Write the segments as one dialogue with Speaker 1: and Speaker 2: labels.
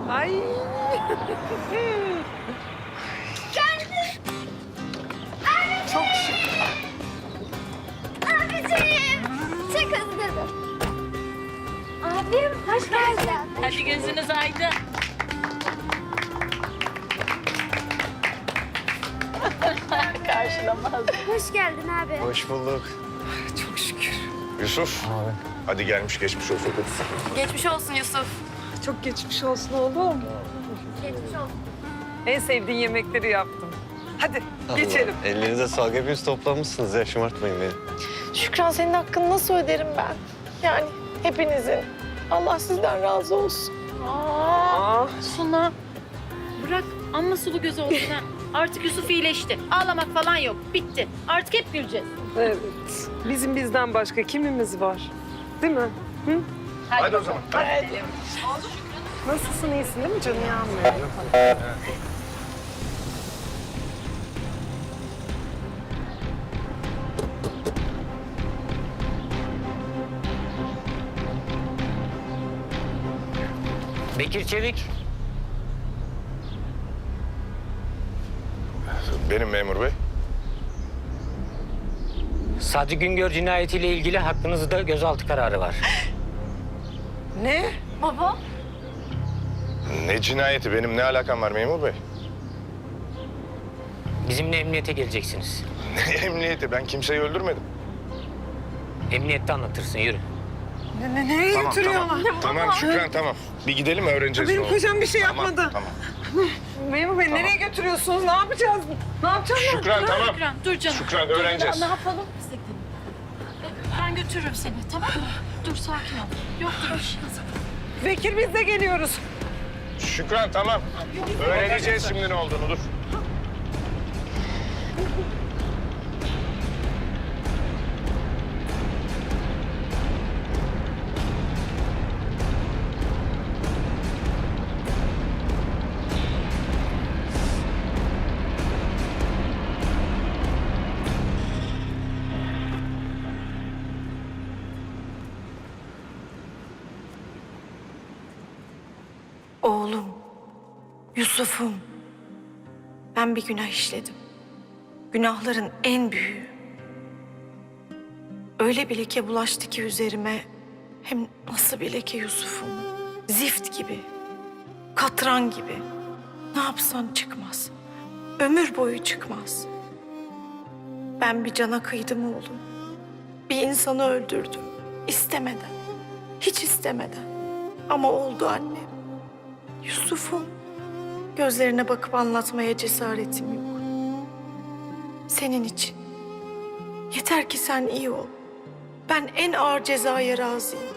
Speaker 1: Ay.
Speaker 2: Geldi.
Speaker 1: Çok şükür.
Speaker 2: Abiciğim. Çok özledim. Abim hoş geldin.
Speaker 3: Hadi gözünüz aydın. Karşılamaz.
Speaker 2: Hoş geldin abi.
Speaker 4: Hoş bulduk.
Speaker 1: Çok şükür.
Speaker 5: Yusuf. Hadi gelmiş geçmiş olsun.
Speaker 3: Geçmiş olsun Yusuf.
Speaker 1: Çok geçmiş olsun oğlum.
Speaker 2: Geçmiş olsun.
Speaker 1: En sevdiğin yemekleri yaptım. Hadi geçelim.
Speaker 4: Allah, ellerinize sağlık. Hepiniz toplanmışsınız ya. Şımartmayın beni.
Speaker 6: Şükran senin hakkını nasıl öderim ben? Yani hepinizin. Allah sizden razı olsun.
Speaker 1: Aa,
Speaker 3: Suna bırak amma sulu göz olsun ha. Artık Yusuf iyileşti. Ağlamak falan yok. Bitti. Artık hep güleceğiz.
Speaker 1: evet. Bizim bizden başka kimimiz var? Değil mi? Hı?
Speaker 5: Hadi o zaman.
Speaker 1: Nasılsın, iyisin değil mi canım?
Speaker 7: Bekir Çevik.
Speaker 5: Benim memur bey.
Speaker 7: Sadri Güngör cinayetiyle ilgili hakkınızda gözaltı kararı var.
Speaker 1: Ne?
Speaker 3: Baba.
Speaker 5: Ne cinayeti? Benim ne alakam var memur bey?
Speaker 7: Bizimle emniyete geleceksiniz.
Speaker 5: Ne emniyeti? Ben kimseyi öldürmedim.
Speaker 7: Emniyette anlatırsın, yürü.
Speaker 1: Nereye götürüyorlar?
Speaker 5: Tamam Şükran tamam. Bir gidelim öğreneceğiz.
Speaker 1: Benim
Speaker 5: ne oldu.
Speaker 1: kocam bir şey
Speaker 5: Tamam,
Speaker 1: yapmadı.
Speaker 5: Tamam.
Speaker 1: Memur Bey nereye götürüyorsunuz? Ne yapacağız? Ne yapacağız?
Speaker 5: Şükran tamam.
Speaker 3: Şükran dur canım.
Speaker 5: Şükran öğreneceğiz.
Speaker 3: Ne yapalım? Biz de gidelim. Ben götürürüm seni tamam mı? Dur sakin ol. Yoktur bir şey.
Speaker 1: Bekir biz de geliyoruz.
Speaker 5: Şükran tamam. Öğreneceğiz şimdi ne olduğunu dur.
Speaker 6: Oğlum, Yusuf'um. Ben bir günah işledim. Günahların en büyüğü. Öyle bir leke bulaştı ki üzerime. Hem nasıl bir leke Yusuf'um. Zift gibi. Katran gibi. Ne yapsan çıkmaz. Ömür boyu çıkmaz. Ben bir cana kıydım oğlum. Bir insanı öldürdüm. İstemeden. Hiç istemeden. Ama oldu annem. Yusuf'um. Gözlerine bakıp anlatmaya cesaretim yok. Senin için. Yeter ki sen iyi ol. Ben en ağır cezaya razıyım.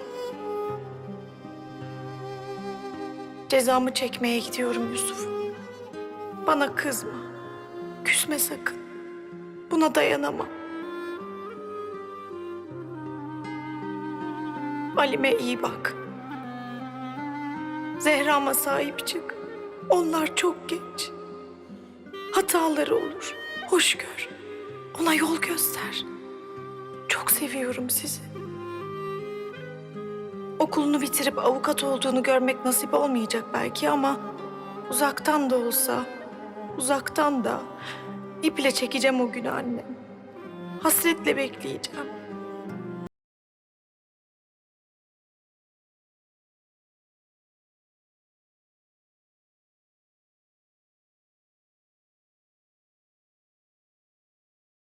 Speaker 6: Cezamı çekmeye gidiyorum Yusuf. Bana kızma. Küsme sakın. Buna dayanamam. Halime iyi bak. Zehra'ma sahip çık. Onlar çok genç. Hataları olur. Hoş gör. Ona yol göster. Çok seviyorum sizi. Okulunu bitirip avukat olduğunu görmek nasip olmayacak belki ama uzaktan da olsa, uzaktan da iple çekeceğim o günü annem. Hasretle bekleyeceğim.